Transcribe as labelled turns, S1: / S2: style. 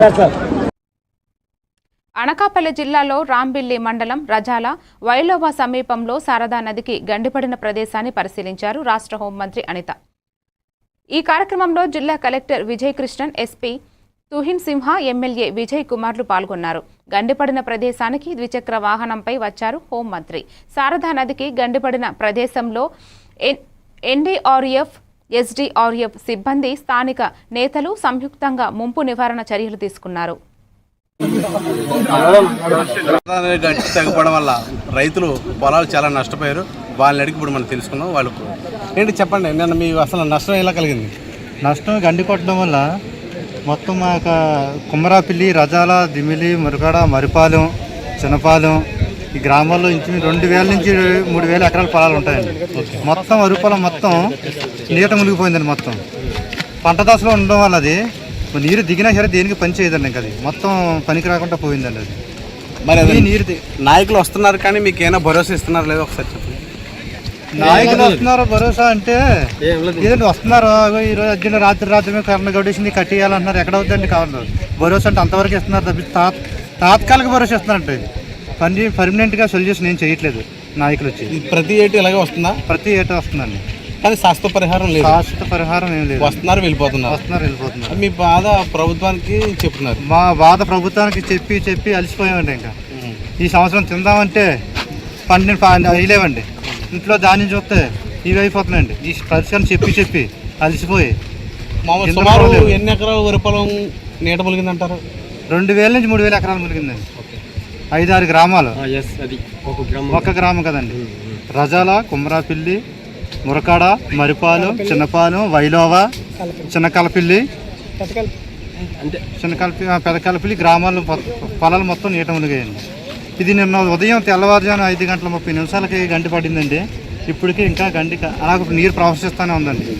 S1: అనకాపల్లి జిల్లాలో రాంబిల్లి మండలం రజాల వైలోవా సమీపంలో శారదా నదికి గండిపడిన ప్రదేశాన్ని పరిశీలించారు రాష్ట్ర హోంమంత్రి అనిత. ఈ కార్యక్రమంలో జిల్లా collector Vijay Krishnan, SP Tuhin Sinha, MLA Vijay కుమార్లు పాల్గొన్నారు. గండిపడిన ప్రదేశానికి ద్విచక్ర వాహనంపై వచ్చారు హోంమంత్రి. శారదా నదికి గండిపడిన ప్రదేశంలో ఎన్డీఆర్ఎఫ్, ఎస్డీఆర్ఎఫ్ సిబ్బంది, స్థానిక నేతలు సంయుక్తంగా ముంపు నివారణ చర్యలు తీసుకున్నారు.
S2: తగ్గడం వల్ల రైతులు పొలాలు చాలా నష్టపోయారు. వాళ్ళని అడిగి ఇప్పుడు మనం తెలుసుకున్నాం. వాళ్ళు ఏంటి చెప్పండి, నిన్న మీ అసలు నష్టం ఎలా కలిగింది?
S3: నష్టం గండి కొట్టడం వల్ల మొత్తం మా యొక్క కుమ్మరాపిల్లి, రజాల, దిమిలి, మురగాడ, మరిపాలెం, చిన్నపాలెం ఈ గ్రామాల్లో ఇంచు 2000 నుంచి 3000 ఎకరాల పొలాలు ఉంటాయండి. మొత్తం అరుపొలం మొత్తం నీట మునిగిపోయిందండి. మొత్తం పంట దశలో ఉండడం వల్ల అది నీరు దిగినా సరే దేనికి పని చేయదండి. ఇంకా అది మొత్తం పనికి రాకుండా పోయిందండి. అది
S2: మరి నీరు నాయకులు వస్తున్నారు కానీ మీకు ఏమైనా భరోసా ఇస్తున్నారు లేదో ఒకసారి చెప్పండి.
S3: నాయకులు వస్తున్నారు భరోసా అంటే ఏదండి వస్తున్నారు. ఈరోజు అర్జున రాత్రి కరెంట్ గడిచింది కట్టేయాలంటున్నారు. ఎక్కడ అవుతుందండి కావాలి భరోసా అంటే అంతవరకు ఇస్తున్నారు తప్పి తాత్కాలిక భరోసా ఇస్తున్నారంటే పర్మనెంట్గా సొల్యూషన్ ఏం చేయట్లేదు నాయకులు వచ్చి.
S2: ప్రతి ఏటా ఇలాగే వస్తుందా?
S3: ప్రతి ఏటా వస్తుందండి
S2: కానీ శాశ్వత పరిహారం లేదు.
S3: శాశ్వత పరిహారం ఏం లేదు.
S2: వస్తున్నారు వెళ్ళిపోతున్నారు. మీ బాధ ప్రభుత్వానికి చెప్తున్నారు.
S3: మా బాధ ప్రభుత్వానికి చెప్పి అలసిపోయామండి. ఇంకా ఈ సంవత్సరం తిందామంటే పండిన వేయలేవండి. ఇంట్లో ధాన్యం చూస్తే ఇవి అయిపోతున్నాయండి. ఈ పరిస్థితిని చెప్పి అలసిపోయి
S2: సుమారు ఎన్ని ఎకరాలు వరి పొలం నీట ములిగిందంటారు?
S3: 2000 నుంచి 3000 ఎకరాలు ములిగిందండి. 5-6 గ్రామాలు. ఒక గ్రామం కదండి. రజాల, కుమ్మరాపిల్లి, మురకాడ, మరిపాలెం, చిన్నపాలెం, వైలోవా, చిన్నకలపిల్లి, పెదకలపిల్లి గ్రామాల్లో పొలాలు మొత్తం నీట మునిగాయండి. ఇది నిన్న ఉదయం తెల్లవారుజామున 5 గంటల 30 నిమిషాలకి గండి పడిందండి. ఇప్పటికీ ఇంకా గండి అలాగ నీరు ప్రవహిస్తూనే ఉందండి.